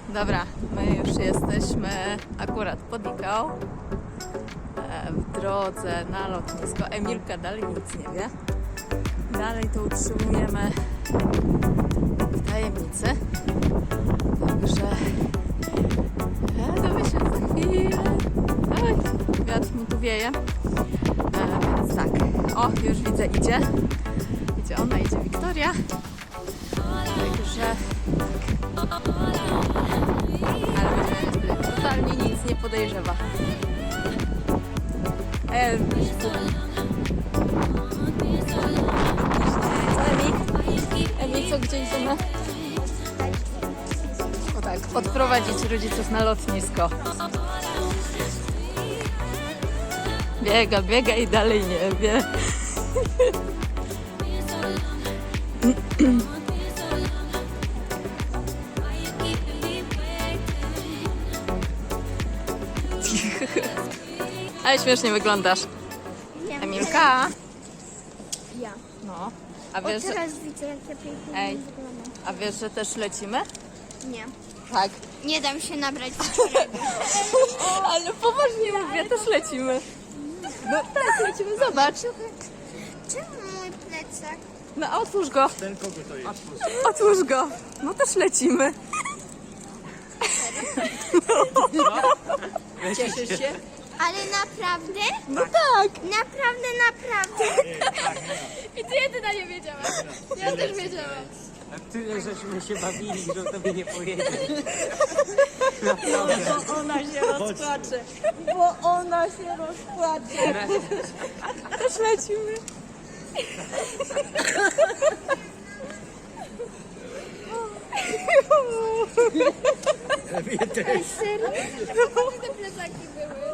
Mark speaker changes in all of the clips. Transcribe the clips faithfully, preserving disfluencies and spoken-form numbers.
Speaker 1: Dobra, my już jesteśmy akurat pod Ikał, w drodze na lotnisko. Emilka dalej nic nie wie. Dalej to utrzymujemy w tajemnicy. Także dowiemy się za chwilę. Oj, wiatr mi tu wieje. E, więc tak, o, już widzę, idzie. Idzie ona, idzie Wiktoria. Także tak. Ale myślę, że totalnie nic nie podejrzewa. E, co, Emi? Emi, co, gdzie idziemy? O tak, odprowadzić rodziców na lotnisko. Biega, biega i dalej nie wie. Ale śmiesznie wyglądasz.
Speaker 2: Nie.
Speaker 1: Emilka?
Speaker 2: Ja.
Speaker 1: No. A
Speaker 2: O,
Speaker 1: wiesz, że...
Speaker 2: teraz widzę, jak ja pięknie
Speaker 1: Ej.
Speaker 2: wyglądam.
Speaker 1: A wiesz, że też lecimy?
Speaker 2: Nie.
Speaker 1: Tak.
Speaker 2: Nie dam się nabrać.
Speaker 1: Ale poważnie mówię, też lecimy. No tak, lecimy, zobacz.
Speaker 2: Czemu mój plecak?
Speaker 1: No otwórz go.
Speaker 3: Ten kogo to jest?
Speaker 1: Otwórz go. No też lecimy. Cieszysz się?
Speaker 2: Ale naprawdę?
Speaker 1: No tak.
Speaker 2: Naprawdę, naprawdę.
Speaker 4: I ty jedyna nie wiedziałaś. Ja też wiedziałam.
Speaker 3: A tyle żeśmy się bawili, że tobie nie powiedzieć.
Speaker 1: Bo ona się rozpłacze. Bo ona się rozpłacze. Też lecimy.
Speaker 2: Serio?
Speaker 4: Te plecaki były.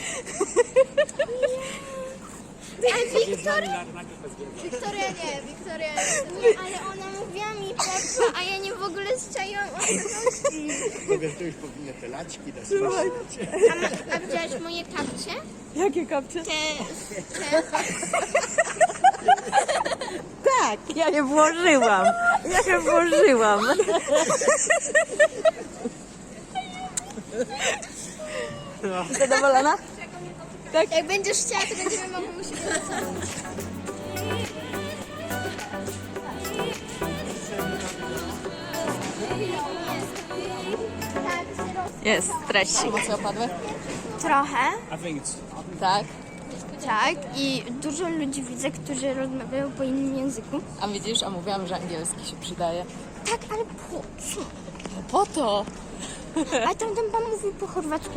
Speaker 2: A Wiktoria?
Speaker 4: Wiktoria nie, Wiktoria nie.
Speaker 2: Nie, ale ona mówiła mi Peppa, a ja nie w ogóle zczaiłam o co chodzi.
Speaker 3: Powiedz, to już powinny te laczki dać.
Speaker 2: A, ma, a widziałaś moje kapcie?
Speaker 1: Jakie kapcie?
Speaker 2: Te, te.
Speaker 1: Tak, ja je włożyłam. Ja je włożyłam. Zadowolona?
Speaker 2: Jak będziesz chciała, to będziemy mogli u siebie wracać. Tak, zero.
Speaker 1: Jest, treści. Emocje opadły?
Speaker 2: Trochę,
Speaker 3: I think it's...
Speaker 1: Tak.
Speaker 2: tak. I dużo ludzi widzę, którzy rozmawiają po innym języku.
Speaker 1: A widzisz, a mówiłam, że angielski się przydaje.
Speaker 2: Tak, ale po co?
Speaker 1: No po to.
Speaker 2: A tam ten pan mówił po chorwacku.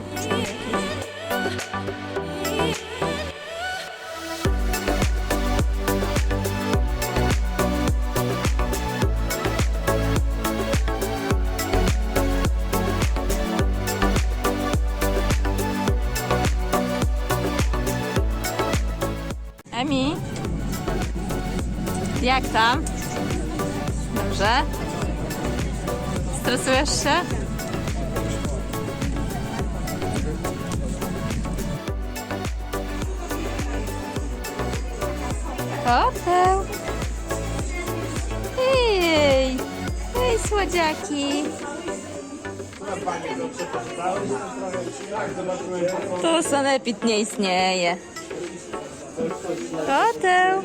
Speaker 1: Emi, jak tam? Dobrze? Stresujesz się? Koteł! Hej! Hej, słodziaki! Tu sanepid nie istnieje. Koteł!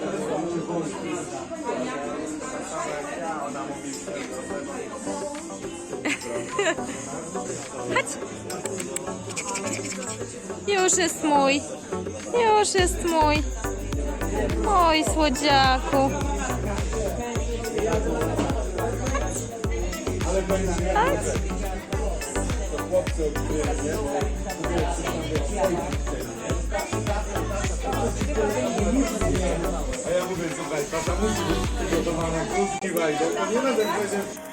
Speaker 1: Chodź! Już jest mój! Już jest mój! Oj, słodziaku! Chodź!
Speaker 5: A ja mówię, słuchaj, tata musi być przygotowana, krótki wajdą, to nie będę powiedział,